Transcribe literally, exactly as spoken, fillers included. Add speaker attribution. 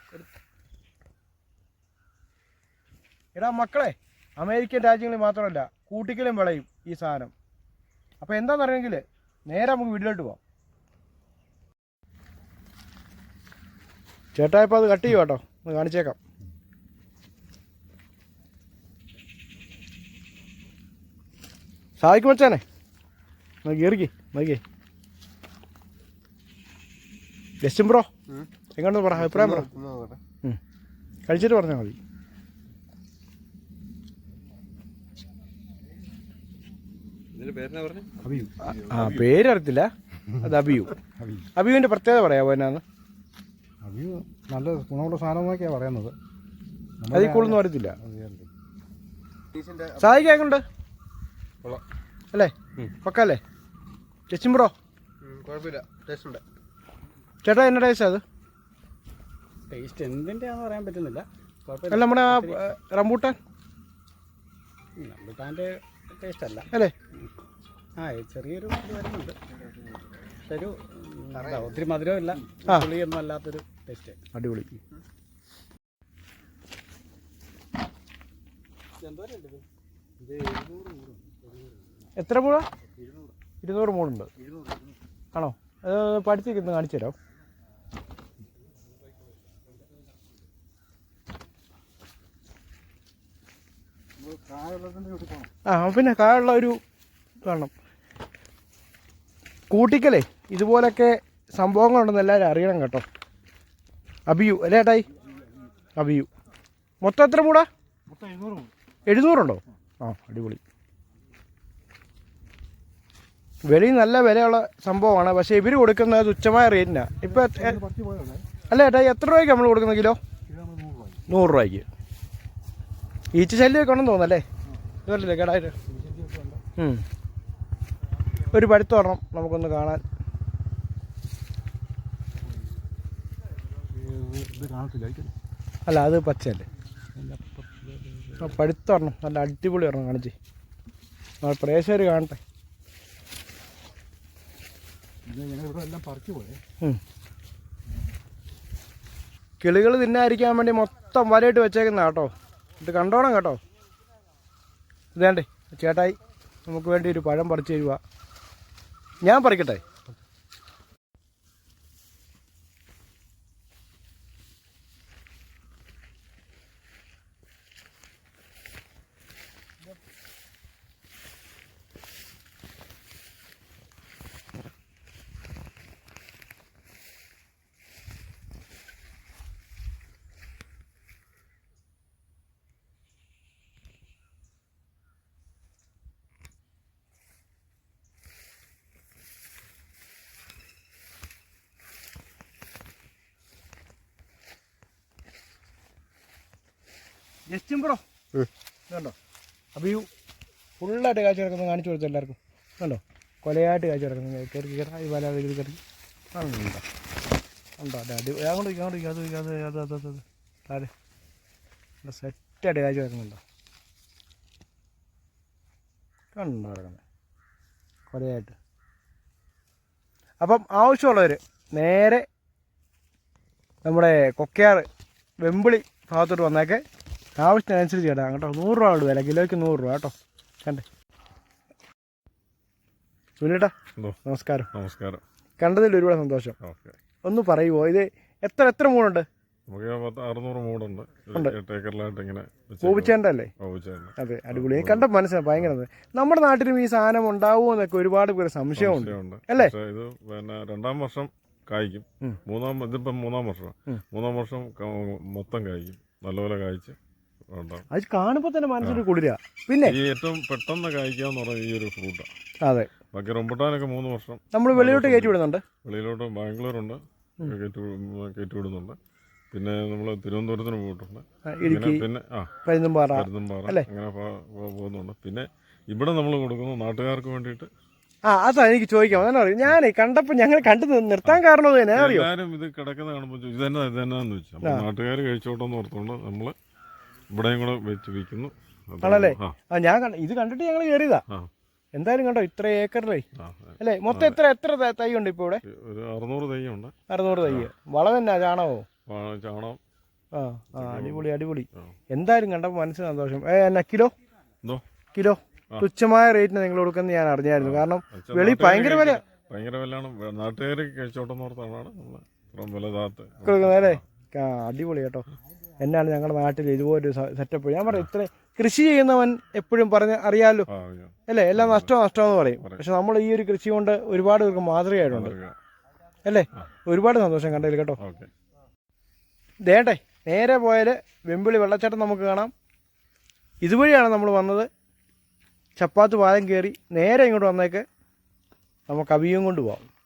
Speaker 1: എടാ മക്കളെ, അമേരിക്കൻ രാജ്യങ്ങളിൽ മാത്രമല്ല കൂട്ടിക്കലും വിളയും ഈ സാധനം. അപ്പോൾ എന്താണെന്നറിയെങ്കിൽ നേരെ നമുക്ക് വീട്ടിലോട്ട് പോവാം. ചേട്ടാ ഇപ്പോൾ അത് കട്ട് ചെയ്യുക കേട്ടോ, ഒന്ന് കാണിച്ചേക്കാം. സാധിക്കും വെച്ചാനെ നോക്കി കയറിക്കേ നോക്കിയേ. ജസ്റ്റും ബ്രോ എങ്ങോട്ട് പറ, അഭിപ്രായം പറ. കഴിച്ചിട്ട് പറഞ്ഞാൽ മതി. ആ പേരറിയത്തില്ല, അത് അബിയു. അബിയുവിൻ്റെ പ്രത്യേകത പറയാമോ എന്നാന്ന്?
Speaker 2: അബിയു നല്ല ഗുണമുള്ള സാധനം എന്നൊക്കെയാണ് പറയുന്നത്.
Speaker 1: അതിൽ കൂടുതലൊന്നും അറിയത്തില്ല. സാധിക്കാക്കുണ്ട് അല്ലേ, പക്കല്ലേ ജസ്റ്റും ബ്രോ?
Speaker 2: കുഴപ്പമില്ല, ടേസ്റ്റ് ഉണ്ട്.
Speaker 1: ചേട്ടാ എന്നാ ടേസ്റ്റ് അത്?
Speaker 2: ടേസ്റ്റ് എന്തിൻ്റെയാണെന്ന് പറയാൻ പറ്റുന്നില്ല.
Speaker 1: അല്ല നമ്മുടെ ആ റംബൂട്ടാൻ
Speaker 2: റംബൂട്ടാൻ്റെ ടേസ്റ്റ് അല്ല
Speaker 1: അല്ലേ?
Speaker 2: ആ ചെറിയൊരു ഇത് വരുന്നുണ്ട്. പക്ഷെ ഒരു ഒത്തിരി മധുരവും ഇല്ല, പുളിയൊന്നും അല്ലാത്തൊരു ടേസ്റ്റ്.
Speaker 1: അടിപൊളി. എത്ര മൂട? ഇരുന്നൂറ് മൂടുണ്ട് ആണോ? അത് പഠിച്ചിരിക്കുന്നത് കാണിച്ചു തരാം. ആ പിന്നെ കായുള്ള ഒരു കാണണം. കൂട്ടിക്കലേ ഇതുപോലൊക്കെ സംഭവങ്ങളുണ്ടെന്ന് എല്ലാവരും അറിയണം കേട്ടോ. അബിയു അല്ലേ ഏട്ടായി? അബിയു മൊത്തം എത്ര മൂടാ? എഴുന്നൂറുണ്ടോ? ആ അടിപൊളി. വെളിയിൽ നല്ല വിലയുള്ള സംഭവമാണ്, പക്ഷേ ഇവർ കൊടുക്കുന്നത് തുച്ഛമായ റേറ്റിനാണ്. ഇപ്പം അല്ല ഏട്ടായി എത്ര രൂപയ്ക്ക് നമ്മൾ കൊടുക്കുന്ന കിലോ? നൂറ് രൂപയ്ക്ക്. ഈച്ച ശല്യമൊക്കെ ഉണ്ടെന്ന് തോന്നല്ലേ? ഇതല്ലേ കേടായിട്ട്. ഒരു പഴുത്ത് വരണം നമുക്കൊന്ന് കാണാൻ. അല്ല അത് പച്ചയല്ലേ? പഴുത്ത് വരണം, നല്ല അടിപൊളി വരണം കാണിച്ച്. പ്രേക്ഷകർ കാണട്ടെ. കിളികൾ തിന്നായിരിക്കാൻ വേണ്ടി മൊത്തം വലയിട്ട് വെച്ചേക്കുന്ന കേട്ടോ. ഇത് കണ്ടോണം കേട്ടോ. ഇതേണ്ടേ ചേട്ടായി നമുക്ക് വേണ്ടി ഒരു പഴം പറിച്ചു തരുക. ഞാൻ പറിക്കട്ടെ? ജസ്റ്റും ബ്രോ കണ്ടോ, അബിയു ഫുള്ളായിട്ട് കാഴ്ച കിടക്കുന്നത് കാണിച്ചു കൊടുത്തു എല്ലാവർക്കും. കണ്ടോ കൊലയായിട്ട് കാഴ്ച കിടക്കുന്നത്. കയറി കയറി വല കയറി കയറി ഉണ്ടോ ഉണ്ടോ അതെ അടി അങ്ങോട്ട് അങ്ങോട്ട് അത് അത് അത് അത് അത് താഴെ സെറ്റായിട്ട് കാഴ്ച കിടക്കുന്നുണ്ടോ? കണ്ടോ കിടക്കുന്നത് കൊലയായിട്ട്. അപ്പം ആവശ്യമുള്ളവർ നേരെ നമ്മുടെ കൊക്കയാറ് വെമ്പിളി ഭാഗത്തോട്ട് വന്നേക്കെ. ആവശ്യത്തിനനുസരിച്ച് കേട്ടാ കേട്ടോ. നൂറ് രൂപ ഉള്ളു വില, കിലോയ്ക്ക് നൂറ് രൂപ കേട്ടോ. കണ്ടേ സുനിലേട്ടാ, നമസ്കാരം.
Speaker 3: നമസ്കാരം.
Speaker 1: കണ്ടതിൽ ഒരുപാട് സന്തോഷം. ഒന്ന് പറയുമോ ഇത് എത്ര എത്ര മൂടുണ്ട്?
Speaker 3: നമുക്ക് അറുന്നൂറ് മൂടുണ്ട്. ഏക്കറിലായിട്ട് ഇങ്ങനെ
Speaker 1: കോപിച്ചേണ്ടല്ലേ? അതെ അടിപൊളി. കണ്ട മനസ്സിലായി ഭയങ്കര. നമ്മുടെ നാട്ടിലും ഈ സാധനം ഉണ്ടാവുമോ എന്നൊക്കെ ഒരുപാട് പേര് സംശയമുണ്ട് അല്ലേ?
Speaker 3: ഇത് പിന്നെ രണ്ടാം വർഷം കായ്ക്കും. മൂന്നാം ഇതിപ്പം മൂന്നാം വർഷം മൂന്നാം വർഷം മൊത്തം കായ്ക്കും. നല്ലപോലെ കായ്ച്ച്
Speaker 1: അത് കാണുമ്പോൾ തന്നെ മനസ്സിൽ കുളിരാ. പിന്നെ
Speaker 3: ഈ ഏറ്റവും പെട്ടെന്ന് കായ്ക്കാന്ന് പറഞ്ഞ ഈ ഒരു ഫ്രൂട്ടാണ്.
Speaker 1: അതെ.
Speaker 3: ബാക്കി റംബുട്ടാനൊക്കെ മൂന്ന് വർഷം
Speaker 1: നമ്മൾ വെളിയിലോട്ട് കയറ്റി വിടുന്നുണ്ട്.
Speaker 3: വെളിയിലോട്ട് ബാംഗ്ലൂരുണ്ട് കയറ്റി കയറ്റി വിടുന്നുണ്ട്. പിന്നെ നമ്മൾ തിരുവനന്തപുരത്തിന് പോയിട്ടുണ്ട്. പിന്നെ ആ
Speaker 1: പരുന്തുംപാറ
Speaker 3: പരുന്തുംപാറ അങ്ങനെ പോകുന്നുണ്ട്. പിന്നെ ഇവിടെ നമ്മൾ കൊടുക്കുന്നു നാട്ടുകാർക്ക് വേണ്ടിയിട്ട്.
Speaker 1: ആ അതാ എനിക്ക് ചോദിക്കാം. അതാണ് അറിയാം. ഞാൻ കണ്ടപ്പോൾ ഞങ്ങൾ കണ്ടു നിർത്താൻ കാരണം
Speaker 3: എല്ലാവരും ഇത് കിടക്കുന്ന കാണുമ്പോൾ ഇത് തന്നെ ഇത് തന്നെയാന്ന് വെച്ചു. അപ്പോൾ നാട്ടുകാർ കഴിച്ചോട്ടെന്ന് ഓർത്തുകൊണ്ട് നമ്മൾ ഇവിടെയും കൂടെ വെച്ച് വിൽക്കുന്നു.
Speaker 1: ആണല്ലേ? ആ ഞാൻ ഇത് കണ്ടിട്ട് ഞങ്ങൾ കയറിയതാ. എന്തായാലും കണ്ടോ ഇത്ര ഏക്കറിലേ അല്ലേ? മൊത്തം എത്ര എത്ര തൈ ഉണ്ട് ഇപ്പോൾ ഇവിടെ?
Speaker 3: ഒരു അറുന്നൂറ് തൈ ഉണ്ട്.
Speaker 1: അറുന്നൂറ് തൈ. വളം എന്നാ? ചാണകമോ?
Speaker 3: ചാണകം
Speaker 1: ആ ആ അടിപൊളി അടിപൊളി. എന്തായാലും കണ്ടപ്പോൾ മനസ്സിന് സന്തോഷം. ഏ എന്നാ കിലോ
Speaker 3: എന്തോ
Speaker 1: കിലോ തുച്ഛമായ റേറ്റിന് നിങ്ങൾ കൊടുക്കുന്നത് ഞാൻ അറിഞ്ഞായിരുന്നു. കാരണം വെളി ഭയങ്കര വില
Speaker 3: ഭയങ്കര വിലയാണ്. നാട്ടുകാർ കഴിച്ചോട്ടെന്ന് ഓർത്താണ് നമ്മൾ ഇത്രയും വില താത്ത്
Speaker 1: കൊടുക്കുന്നത് അല്ലേ? ആ അടിപൊളി കേട്ടോ. എന്നാണ് ഞങ്ങളുടെ നാട്ടിൽ ഇതുപോലൊരു സെറ്റപ്പ്. ഞാൻ പറയാം, ഇത്ര കൃഷി ചെയ്യുന്നവൻ എപ്പോഴും പറഞ്ഞ് അറിയാമല്ലോ അല്ലേ, എല്ലാം നഷ്ടമോ നഷ്ടമെന്ന് പറയും. പക്ഷെ നമ്മൾ ഈ ഒരു കൃഷി കൊണ്ട് ഒരുപാട് പേർക്ക് മാതൃകയായിട്ടുണ്ട് അല്ലേ. ഒരുപാട് സന്തോഷം കണ്ടതിൽ കേട്ടോ. ദേട്ടെ നേരെ പോയാൽ വെമ്പിളി വെള്ളച്ചാട്ടം നമുക്ക് കാണാം. ഇതുവഴിയാണ് നമ്മൾ വന്നത്. ചപ്പാത്ത് പാലം കയറി നേരെ ഇങ്ങോട്ട് വന്നേക്ക് നമുക്ക് അവിയും കൊണ്ട് പോകാം.